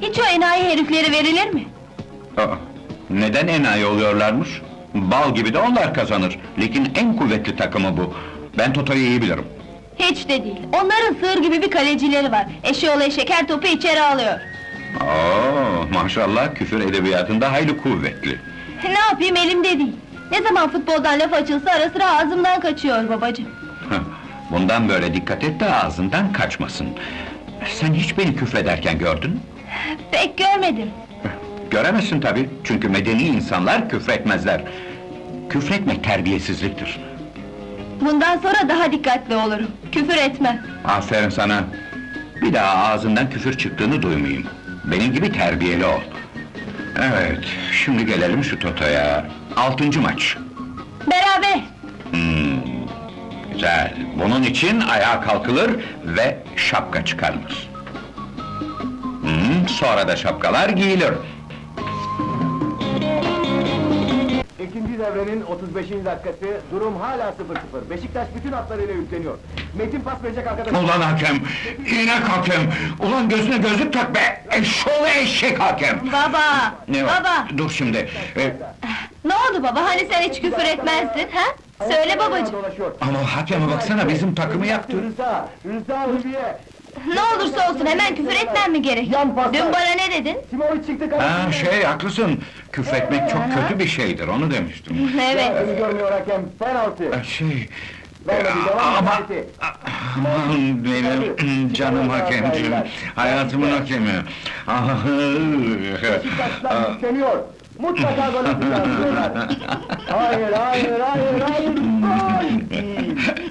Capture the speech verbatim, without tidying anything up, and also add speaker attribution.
Speaker 1: Hiç o enayi herifleri verilir mi?
Speaker 2: Aa, neden enayi oluyorlarmış? Bal gibi de onlar kazanır. Ligin en kuvvetli takımı bu. Ben Toto'yu iyi bilirim.
Speaker 1: Hiç de değil. Onların sığır gibi bir kalecileri var. Eşeğoğlu eşek her topu içeri alıyor.
Speaker 2: Oo, maşallah küfür edebiyatında hayli kuvvetli.
Speaker 1: Ne yapayım, elimde değil. Ne zaman futboldan laf açılsa ara sıra ağzımdan kaçıyor babacığım.
Speaker 2: Heh, bundan böyle dikkat et de ağzından kaçmasın. Sen hiç beni küfrederken gördün mü?
Speaker 1: Pek görmedim.
Speaker 2: Göremezsin tabii, çünkü medeni insanlar küfretmezler. Küfretmek terbiyesizliktir.
Speaker 1: Bundan sonra daha dikkatli olurum. Küfür etmem.
Speaker 2: Aferin sana! Bir daha ağzından küfür çıktığını duymayayım. Benim gibi terbiyeli ol. Evet, şimdi gelelim şu Toto'ya. Altıncı maç.
Speaker 1: Beraber.
Speaker 2: Hmm, güzel. Bunun için ayağa kalkılır ve şapka çıkarılır. Hmm, sonra da şapkalar giyilir.
Speaker 3: İkinci devrenin otuz beşinci dakikası, durum hala sıfır sıfır. Beşiktaş bütün hatlarıyla yükleniyor. Metin pas verecek arkadaşlar.
Speaker 2: Ulan hakem! İnek hakem! Ulan gözüne gözlük tak be! Eşşoğlu eşek hakem!
Speaker 1: Baba!
Speaker 2: Ne var?
Speaker 1: Baba!
Speaker 2: Dur şimdi! Ee,
Speaker 1: Ne oldu baba, hani sen hiç küfür etmezdin, ha? Söyle babacığım!
Speaker 3: Dolaşıyor.
Speaker 2: ama hakeme baksana, bizim takımı yaktı!
Speaker 3: Rıza, Rıza Hülya.
Speaker 1: Ne olursa olsun hemen küfür etmem mi gerek?
Speaker 3: Yan paslar.
Speaker 1: Dün bana ne dedin?
Speaker 3: Simovic çıktı
Speaker 2: Ha
Speaker 3: kalesine.
Speaker 2: şey, haklısın! Küfretmek çok kötü bir şeydir, onu demiştim.
Speaker 1: Evet.
Speaker 3: Seni görmüyor hakem, penaltı.
Speaker 2: Ee, Şey...
Speaker 3: Vermedi,
Speaker 2: e,
Speaker 3: devam
Speaker 2: ama...
Speaker 3: edildi.
Speaker 2: Aman benim canım hakemciğim, hayatımın hakemi! Ah,
Speaker 3: Beşiktaşlar yükleniyor. Mutlaka gol atacağız diyorlar. Hayır, hayır, hayır, hayır, gol!